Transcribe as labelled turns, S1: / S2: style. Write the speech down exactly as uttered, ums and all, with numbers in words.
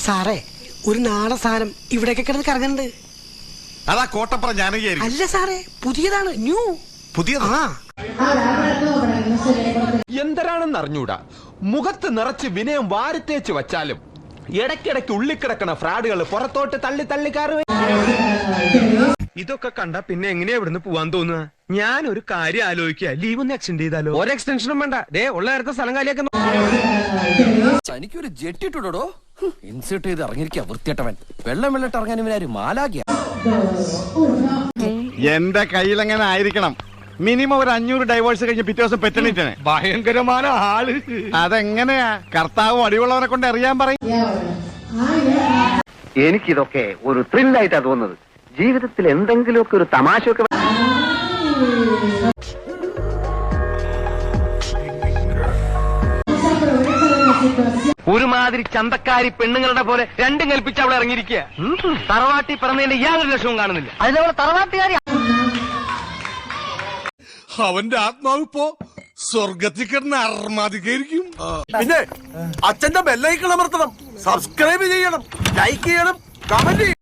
S1: സാറേ ഒരു നാടൻ സാധനം ഇവിടെയൊക്കെ കിടന്ന് കറങ്ങുന്നുണ്ട്.
S2: അതാ കോട്ടപ്പുറം ജാനകിയായിരിക്കും.
S1: അല്ല സാറേ, പുതിയതാണ്, ന്യൂ.
S2: പുതിയത്?
S1: ആ
S3: എന്തരാണെന്ന് അറിഞ്ഞൂടാ. മുഖത്ത് നിറച്ച് വിനയം വാരിത്തേച്ച് വച്ചാലും ഇടയ്ക്കിടയ്ക്ക് ഉള്ളിക്കിടക്കണ ഫ്രാഡുകൾ പുറത്തോട്ട് തള്ളി തള്ളി കയറുവേ.
S4: ഇതൊക്കെ കണ്ട പിന്നെ എങ്ങനെയാ ഇവിടുന്ന് പോവാൻ തോന്നുക? ഞാൻ ഒരു കാര്യം ആലോചിക്കുക, ലീവ് ഒന്ന് എക്സ്റ്റെൻഡ് ചെയ്താലോ? ഒരു എക്സ്റ്റൻഷനും വേണ്ട, ദേ ഉള്ള നേരത്തെ സ്ഥലം കാലിയാക്കുന്നു.
S5: എനിക്കൊരു ജെട്ടിട്ടുടോ ഇൻസേർട്ട് ചെയ്ത് ഇറങ്ങിയിരിക്കുക വൃത്തിയട്ടവൻ. വെള്ളം വെള്ളിട്ട് ഇറങ്ങാൻ ഇവനാര് മാലാകിയ.
S2: എന്റെ കയ്യിലെങ്ങനെ ആയിരിക്കണം മിനിമം ഒരു അഞ്ഞൂറ് ഡൈവേഴ്സ് കഴിഞ്ഞ് പിറ്റേ ദിവസം പെറ്റണിട്ടാണ്.
S4: ഭയങ്കരമായ ആള്.
S2: അതെങ്ങനെയാ കർത്താവ് അടിവുള്ളവരെ കൊണ്ട് അറിയാൻ പറയും.
S6: എനിക്കിതൊക്കെ ഒരു ത്രില്ലായിട്ടാ തോന്നുന്നത്. ജീവിതത്തിൽ എന്തെങ്കിലുമൊക്കെ ഒരു തമാശയൊക്കെ.
S5: ഒരുമാതിരി ചന്തക്കാരി പെണ്ണുങ്ങളുടെ പോലെ രണ്ടും കൽപ്പിച്ച് അവളെ ഇറങ്ങിയിരിക്കുക. തറവാട്ടി പറഞ്ഞതിന്റെ യാതൊരു ലക്ഷവും കാണുന്നില്ല. അതിലവളെ തറവാട്ടുകാരി.
S7: അവന്റെ ആത്മാവ് ഇപ്പോ സ്വർഗത്തിൽ കിടന്ന് അർമാദിക്കായിരിക്കും.
S8: പിന്നെ അച്ഛന്റെ ബെല്ലൈക്കൺ അമർത്തണം, സബ്സ്ക്രൈബ് ചെയ്യണം, ലൈക്ക് ചെയ്യണം, കമന്റ് ചെയ്യണം.